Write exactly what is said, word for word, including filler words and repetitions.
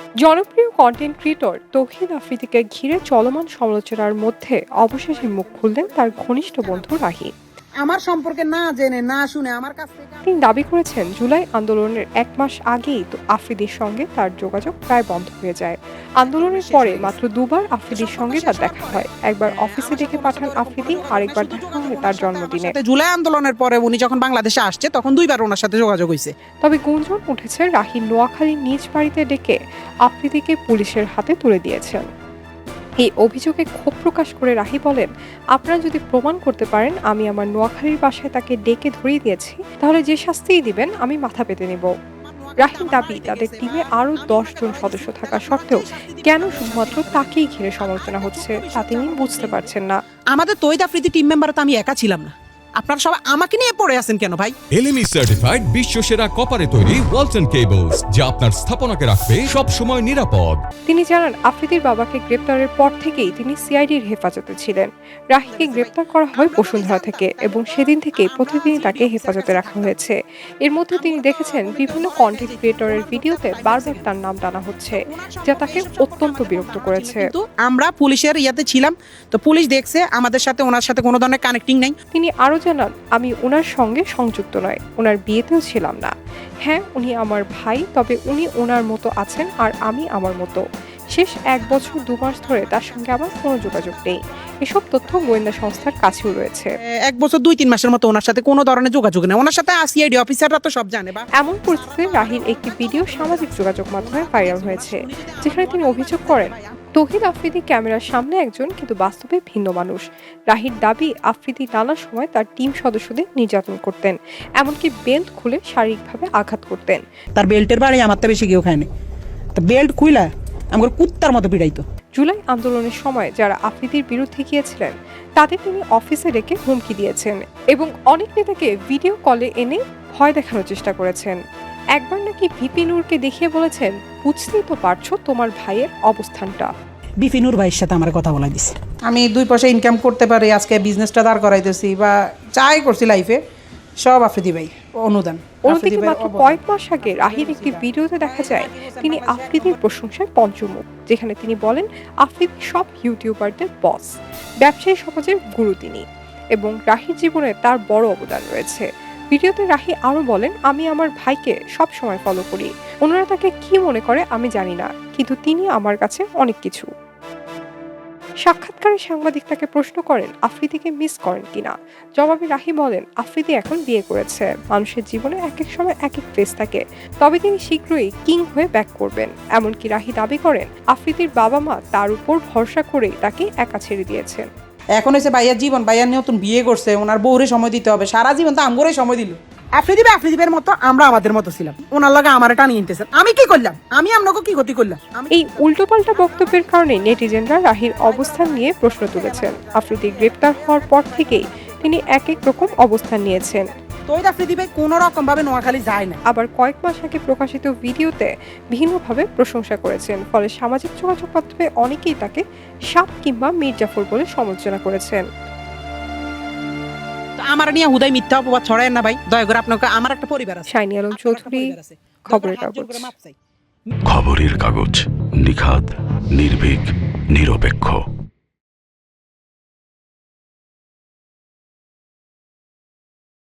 জনপ্রিয় content creator তৌহিদ আফ্রিদিকে ঘিরে চলমান সমালোচনার মধ্যে অবশেষে মুখ খুললেন তার ঘনিষ্ঠ বন্ধু রাহি। আমার সম্পর্কে না জেনে না শুনে আমার কাছ থেকে তিনি দাবি করেছেন জুলাই আন্দোলনের এক মাস আগেই তো আফ্রিদির সঙ্গে তার যোগাযোগ প্রায় বন্ধ হয়ে যায়। আন্দোলনের পরে মাত্র দুবার আফ্রিদির সঙ্গে তার দেখা হয়। একবার অফিসে ডেকে পাঠান আফ্রিদি, আরেকবার দেখা হয় তার জন্মদিনে। জুলাই আন্দোলনের পরে উনি যখন বাংলাদেশে আসছে তখন দুইবার ওনার সাথে যোগাযোগ হয়েছে। তবে গুঞ্জন উঠেছে রাহি নোয়াখালীর নিজ বাড়িতে ডেকে আফ্রিদিকে পুলিশের হাতে তুলে দিয়েছেন। এই অভিযোগে ক্ষোভ প্রকাশ করে রাহি বলেন, আপনারা যদি প্রমাণ করতে পারেন আমি আমার নোয়াখালীর বাসায় তাকে ডেকে ধরিয়ে দিয়েছি, তাহলে যে শাস্তিই দিবেন আমি মাথা পেতে নেব। রাহির দাবি, তাদের টিমে আরো দশ জন সদস্য থাকা সত্ত্বেও কেন শুধুমাত্র তাকেই ঘিরে সমালোচনা হচ্ছে তা তিনি বুঝতে পারছেন না। আমাদের তৌহিদ আফ্রিদি টিম মেম্বার তো আমি একা ছিলাম না, আপনারা সবাই আমাকে নিয়ে পড়ে আছেন কেন ভাই? এলএমই সার্টিফাইড বিশ্বসেরা কপারে তৈরি ওয়ালটন কেবলস, যা আপনার স্থাপনাকে রাখবে সব সময় নিরাপদ। তিনি জানান, আফ্রিদির বাবাকে গ্রেপ্তারের পর থেকেই তিনি সিআইডির হেফাজতে ছিলেন। রাহিকে গ্রেপ্তার করা হয় বসুন্ধরা থেকে এবং সেদিন থেকেই প্রতিদিনই তাকে হেফাজতে রাখা হয়েছে। এর মধ্যে তিনি দেখেছেন বিভিন্ন কন্টেন্ট ক্রিয়েটরের ভিডিওতে বারবার তার নাম টানা হচ্ছে, যা তাকে অত্যন্ত বিরক্ত করেছে। আমরা পুলিশের ইয়াতে ছিলাম, তো পুলিশ দেখছে আমাদের সাথে ওনার সাথে কোনো ধরনের কানেক্টিং নাই। তিনি আরো জানান, আমি ওনার সঙ্গে সংযুক্ত নয়, ওনার বিয়েতেও ছিলাম না। হ্যাঁ, উনি আমার ভাই, তবে উনি ওনার মতো আছেন আর আমি আমার মতো। শেষ এক বছর দু মাস ধরে তার সঙ্গে আমার কোনো যোগাযোগ নেই। এসব তথ্য গোয়েন্দা সংস্থার কাছেও রয়েছে। এক বছর দুই তিন মাসের মতো ওনার সাথে কোনো ধরনের যোগাযোগ নেই। ওনার সাথে সিআইডি অফিসাররা তো সব জানে। বা এমন পরিস্থিতিতে রাহির একটি ভিডিও সামাজিক যোগাযোগ মাধ্যমে ভাইরাল হয়েছে, যেখানে তিনি অভিযোগ করেন তৌহিদ আফ্রিদি ক্যামেরার সামনে একজন, কিন্তু বাস্তবে ভিন্ন মানুষ। রাহির দাবি, আফ্রিদি নানা সময় তার টিম সদস্যদের নির্যাতন করতেন, এমনকি বেল্ট খুলে শারীরিকভাবে আঘাত করতেন। তার বেল্টের বাড়ি আমার তো বেশি কেউ খায়নি, তো বেল্ট খুইলা আমার কুত্তার মতো পিড়াইতো। জুলাই আন্দোলনের সময় যারা আফ্রিদির বিরুদ্ধে গিয়েছিলেন তাদের তিনি অফিসে ডেকে হুমকি দিয়েছেন এবং অনেক নেতাকে ভিডিও কলে এনে ভয় দেখানোর চেষ্টা করেছেন। একবার নাকি ভিপি নূরকে দেখিয়ে বলেছেন, বুঝতেই তো পারছো তোমার ভাইয়ের অবস্থানটা। ভিপি নূর ভাইয়ের সাথে আমার কথা বলাই দিছে, আমি দুই পয়সা ইনকাম করতে পারি, আজকে বিজনেসটা দাঁড় করাইতেছি বা চাই করছি লাইফে, সব আফ্রিদি ভাই অনুদান। অন্যদিকে মাত্র কয়েক মাস আগে রাহির একটি ভিডিওতে দেখা যায় তিনি আফ্রিদির প্রশংসায় পঞ্চমুখ, যেখানে তিনি বলেন আফ্রিদি সব ইউটিউবারদের বস, ব্যবসায়ী সমাজের গুরু তিনি, এবং রাহির জীবনে তার বড় অবদান রয়েছে। ভিডিওতে রাহি আরো বলেন, আমি আমার ভাইকে সব সময় ফলো করি, ওনারা তাকে কি মনে করে আমি জানি না, কিন্তু তিনি আমার কাছে অনেক কিছু। সাক্ষাৎকারে সাংবাদিক তাকে প্রশ্ন করেন আফ্রিদিকে মিস করেন কিনা। জবাবে রাহি বলেন, আফ্রিদি এখন বিয়ে করেছে, মানুষের জীবনে এক এক সময় এক এক ফেজ থাকে, তবে তিনি শীঘ্রই কিং হয়ে ব্যাক করবেন। এমনকি রাহি দাবি করেন আফ্রিদির বাবা মা তার উপর ভরসা করেই তাকে একা ছেড়ে দিয়েছেন। এখন হচ্ছে ভাইয়ার জীবন, ভাইয়ার নতুন বিয়ে করছে, ওনার বউরে সময় দিতে হবে, সারা জীবন তো আমগরে সময় দিল। আফ্রিদি ভাই আফ্রিদিবের মতো আমরা আমাদের মতো ছিলাম, ওনার লগে আমার এটা নিয়ে নিতেছেন। আমি কি করলাম? আমি আপনাকে কি ক্ষতি করলাম? এই উল্টোপাল্টা বক্তব্যের কারণে নেটিজেনরা রাহির অবস্থান নিয়ে প্রশ্ন তুলেছেন। আফ্রিদি গ্রেপ্তার হওয়ার পর থেকেই তিনি এক এক রকম অবস্থান নিয়েছেন। তৌহিদ আফ্রিদি ভাই কোনো রকম ভাবে নোয়াখালী যায় না। আবার কয়েক মাস আগে প্রকাশিত ভিডিওতে ভিন্নভাবে প্রশংসা করেছেন, ফলে সামাজিক যোগাযোগ মাধ্যমে অনেকেই তাকে সাপ কিংবা মির্জাফর বলে সমালোচনা করেছেন। আমার নিয়ে হুদাই মিথ্যা অপবাদ ছড়ায় না ভাই, দয়া করে আপনাকে। আমার একটা পরিবার আছে। শাইনি আলম চৌধুরী, খবরের কাগজ। খবরের কাগজ, নিখাদ, নির্ভীক, নিরপেক্ষ।